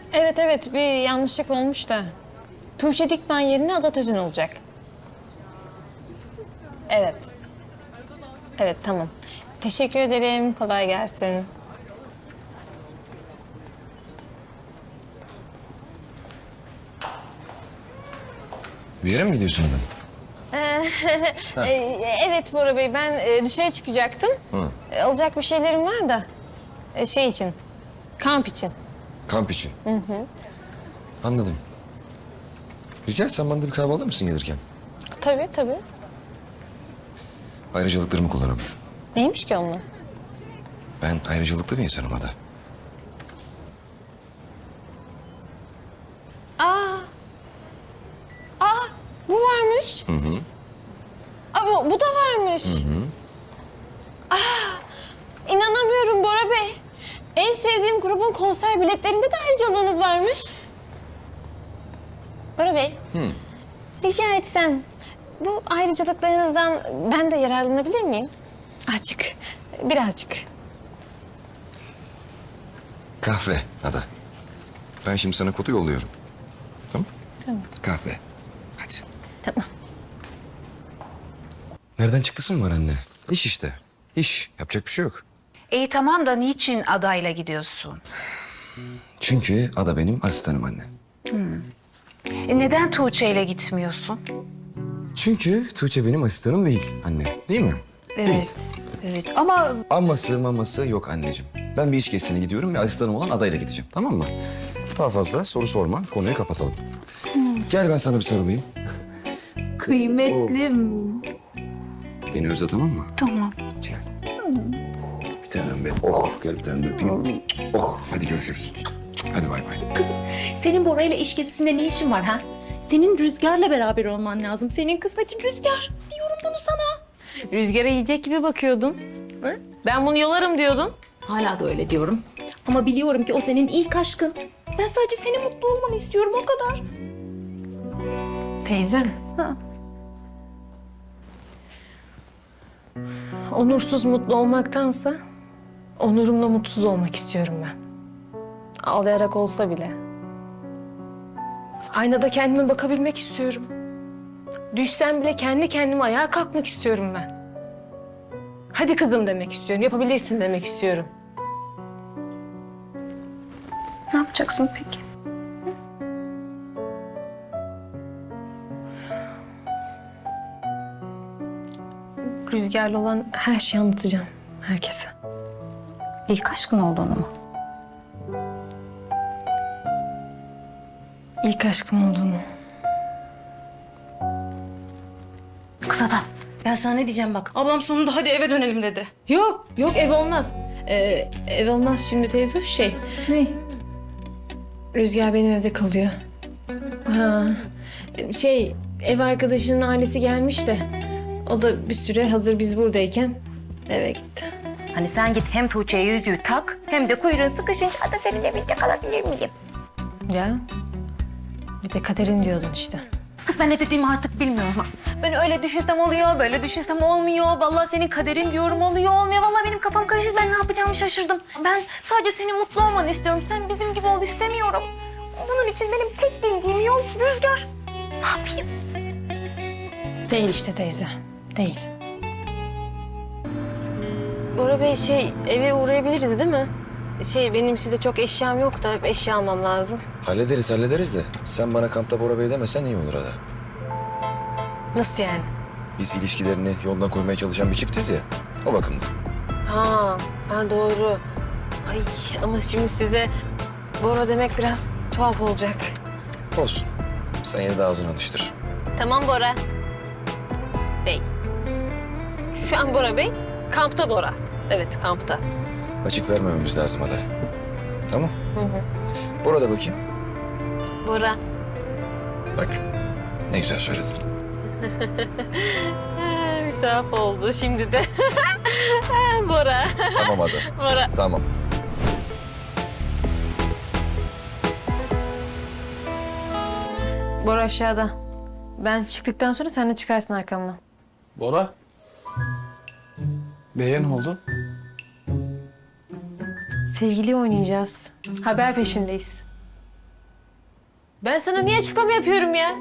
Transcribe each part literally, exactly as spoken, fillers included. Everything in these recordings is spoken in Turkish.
Evet evet bir yanlışlık olmuş da. Tuğçe Dikmen yerine Ada Tözün olacak. Evet. Evet tamam. Teşekkür ederim. Kolay gelsin. Bir yere mi gidiyorsun adam? Ee, evet Bora Bey ben e, dışarı çıkacaktım. Hı. E, Alacak bir şeylerim var da e, şey için. Kamp için. Kamp için. Hı hı. Anladım. Rica etsem bana da bir kahve alır mısın gelirken? Tabii tabii. Ayrıcalıklarımı kullanamam. Neymiş ki onlar? Ben ayrıcalıklı bir insanım Ada. Aa. Aa bu varmış. Hı hı. Aa bu, bu da varmış. Hı hı. Aa inanamıyorum Bora Bey. En sevdiğim grubun konser biletlerinde de ayrıcalığınız varmış. Bora Bey. Hı. Rica etsem bu ayrıcalıklarınızdan ben de yararlanabilir miyim? Azıcık, birazcık. Kahve Ada. Ben şimdi sana kodu yolluyorum. Tamam? Tamam. Kahve. Hadi. Tamam. Nereden çıktısın var anne? İş işte. İş. Yapacak bir şey yok. İyi tamam da niçin adayla gidiyorsun? Çünkü Ada benim asistanım anne. E neden Tuğçe ile gitmiyorsun? Çünkü Tuğçe benim asistanım değil anne. Değil mi? Evet. Evet ama Aması maması yok anneciğim. Ben bir iş gezisine gidiyorum ve asistanım olan adayla gideceğim. Tamam mı? Daha fazla soru sorma. Konuyu kapatalım. Gel ben sana bir sarılayım. kıymetlim. Beni özle tamam mı? Tamam. Gel. Bir tanem benim. Oh gel bir tane de öpeyim. Oh hadi görüşürüz. Hadi bay bay. Kızım, senin Bora ile iş gezisinde ne işin var ha? Senin Rüzgar'la beraber olman lazım. Senin kısmetin Rüzgar. Diyorum bunu sana. Rüzgara yiyecek gibi bakıyordun. Hı? Ben bunu yolarım diyordun. Hala da öyle diyorum. Ama biliyorum ki o senin ilk aşkın. Ben sadece senin mutlu olmanı istiyorum, o kadar. Teyzem. Ha. Onursuz mutlu olmaktansa onurumla mutsuz olmak istiyorum ben. Ağlayarak olsa bile. Aynada kendime bakabilmek istiyorum. Düşsem bile kendi kendime ayağa kalkmak istiyorum ben. Hadi kızım demek istiyorum, yapabilirsin demek istiyorum. Ne yapacaksın peki? Rüzgarlı olan her şeyi anlatacağım herkese. İlk aşkın olduğunu mu? İlk aşkım olduğunu. Kız adam. Ben sana ne diyeceğim bak. Ablam sonunda hadi eve dönelim dedi. Yok, yok ev olmaz. Ee, ev olmaz şimdi teyze şey. Ne? Rüzgar benim evde kalıyor. Ha, şey ev arkadaşının ailesi gelmiş de o da bir süre hazır biz buradayken eve gitti. Hani sen git hem Tuğçe'ye yüzüğü tak hem de kuyruğun sıkışınca da seninle birlikte kalabilir miyim? Ya bir de kaderin diyordun işte. Kız ben ne dediğimi artık bilmiyorum. Ben öyle düşünsem oluyor, böyle düşünsem olmuyor. Vallahi senin kaderin diyorum oluyor, olmuyor. Vallahi benim kafam karıştı. Ben ne yapacağımı şaşırdım. Ben sadece senin mutlu olmanı istiyorum. Sen bizim gibi ol istemiyorum. Bunun için benim tek bildiğim yol Rüzgar. Ne yapayım? Değil işte teyze, değil. Bora Bey şey eve uğrayabiliriz değil mi? Şey benim size çok eşyam yok da eşya almam lazım. Hallederiz hallederiz de sen bana kampta Bora Bey demesen iyi olur Ada. Nasıl yani? Biz ilişkilerini yoldan koymaya çalışan bir çiftiz ya. O bakımdan. Ha, ha doğru. Ay ama şimdi size Bora demek biraz tuhaf olacak. Olsun. Sen yine de ağzını alıştır. Tamam Bora. Bey. Şu an Bora Bey, kampta Bora. Evet, kampta. Açık vermememiz lazım Ada. Tamam. Hı hı. Bora da bakayım. Bora. Bak. Ne güzel söyledin. Ha, bir tuhaf oldu şimdi de. Ha, Bora. Tamam Ada. Bora. Tamam. Bora aşağıda. Ben çıktıktan sonra sen de çıkarsın arkamdan. Bora. Beğen oldu. Sevgili oynayacağız. Haber peşindeyiz. Ben sana niye açıklama yapıyorum ya?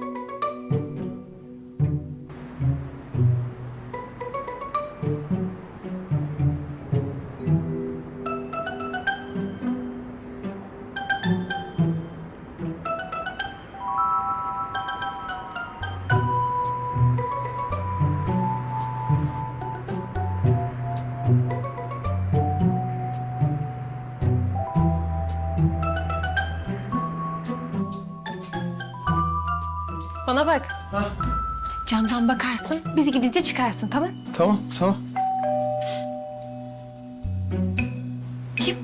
Bana bak. Camdan bakarsın, biz gidince çıkarsın, tamam? Tamam, tamam. Kim?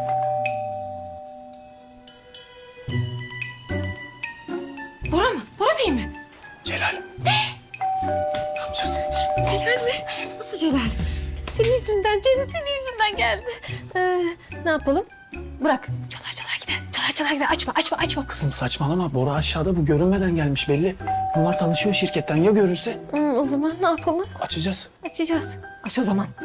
Bora mı? Bora Bey mi? Celal. Ne? Ne yapacağız? Celal mi? Nasıl Celal? Senin yüzünden, Celal senin yüzünden geldi. Ee, ne yapalım? Bırak. Çalar çalar gider. Çalar çalar gider. Açma, açma, açma. Kızım saçmalama. Bora aşağıda, bu görünmeden gelmiş belli. Bunlar tanışıyor şirketten. Ya görürse? Hı, o zaman ne yapalım? Açacağız. Açacağız. Aç o zaman.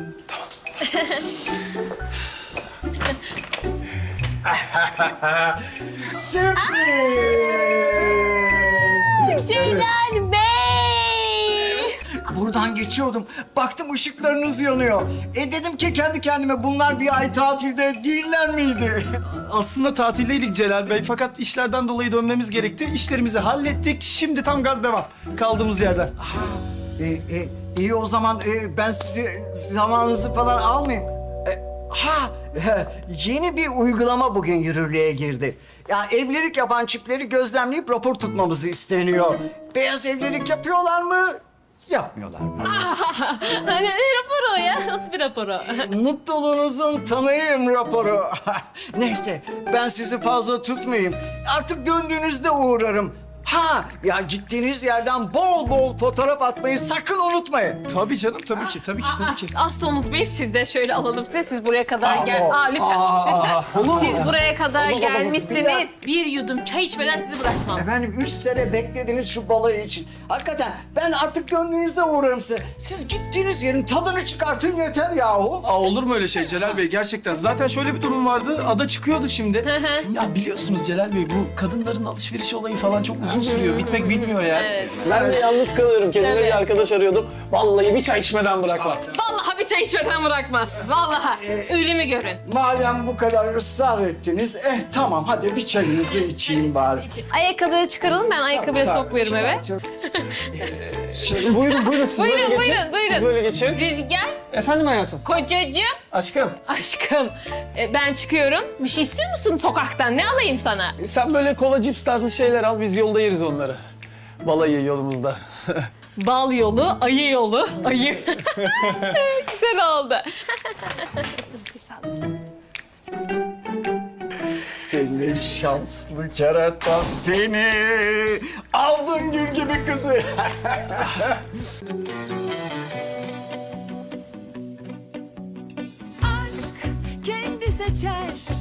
Celal Bey! Buradan geçiyordum. Baktım ışıklarınız yanıyor. E dedim ki kendi kendime bunlar bir ay tatilde değiller miydi? Aslında tatildeydik Celal Bey fakat işlerden dolayı dönmemiz gerekti. İşlerimizi hallettik. Şimdi tam gaz devam. Kaldığımız yerden. E, e, iyi o zaman e, ben sizi zamanınızı falan almayayım. E, ha e, yeni bir uygulama bugün yürürlüğe girdi. Ya evlilik yapan çiftleri gözlemleyip rapor tutmamızı isteniyor. Beyaz evlilik yapıyorlar mı? Yapmıyorlar mı? Hani ne raporu o ya? Nasıl bir raporu? Mutluluğunuzun tanıyım raporu. Neyse ben sizi fazla tutmayayım. Artık döndüğünüzde uğrarım. Ha ya gittiğiniz yerden bol bol fotoğraf atmayı sakın unutmayın. Tabii canım tabii ki tabii ki tabii ki. Asla unutmayın, siz de şöyle alalım size. Siz buraya kadar gel. Aa, Aa, lütfen, aa, lütfen. Siz buraya kadar Olur, olur, olur. Bir gelmişsiniz. dakika. Bir yudum çay içmeden sizi bırakmam. Efendim üç sene beklediniz şu balayı için. Hakikaten ben artık döndüğünüzde uğrarım size. Siz gittiğiniz yerin tadını çıkartın yeter yahu. Aa, olur mu öyle şey Celal Bey gerçekten? Zaten şöyle bir durum vardı. Ada çıkıyordu şimdi. Ya biliyorsunuz Celal Bey bu kadınların alışveriş olayı falan çok uzun sürüyor. Bitmek bilmiyor ya. Evet. Ben de yalnız kalıyorum. Kendime Tabii. bir arkadaş arıyordum. Vallahi bir çay içmeden bırakmam. Vallahi bir çay içmeden bırakmaz. Vallahi. Ölümü görün. Madem bu kadar ısrar ettiniz, eh tamam hadi bir çayınızı içeyim bari. Ayakkabıları çıkaralım. Ben ayakkabıları sokmuyorum eve. Şimdi buyurun buyurun siz Buyurun, böyle geçin. buyurun, buyurun. Siz böyle geçin. Rüzgar, Efendim hayatım. kocacığım, Aşkım. aşkım. E, ben çıkıyorum. Bir şey istiyor musun sokaktan? Ne alayım sana? Sen böyle kola cips tarzı şeyler al. Biz yolda yeriz onları. Balayı yolumuzda. Bal yolu, ayı yolu. Ayı. Güzel oldu. Seni şanslı kerata seni. Aldın gül gibi kızı. aşk kendi seçer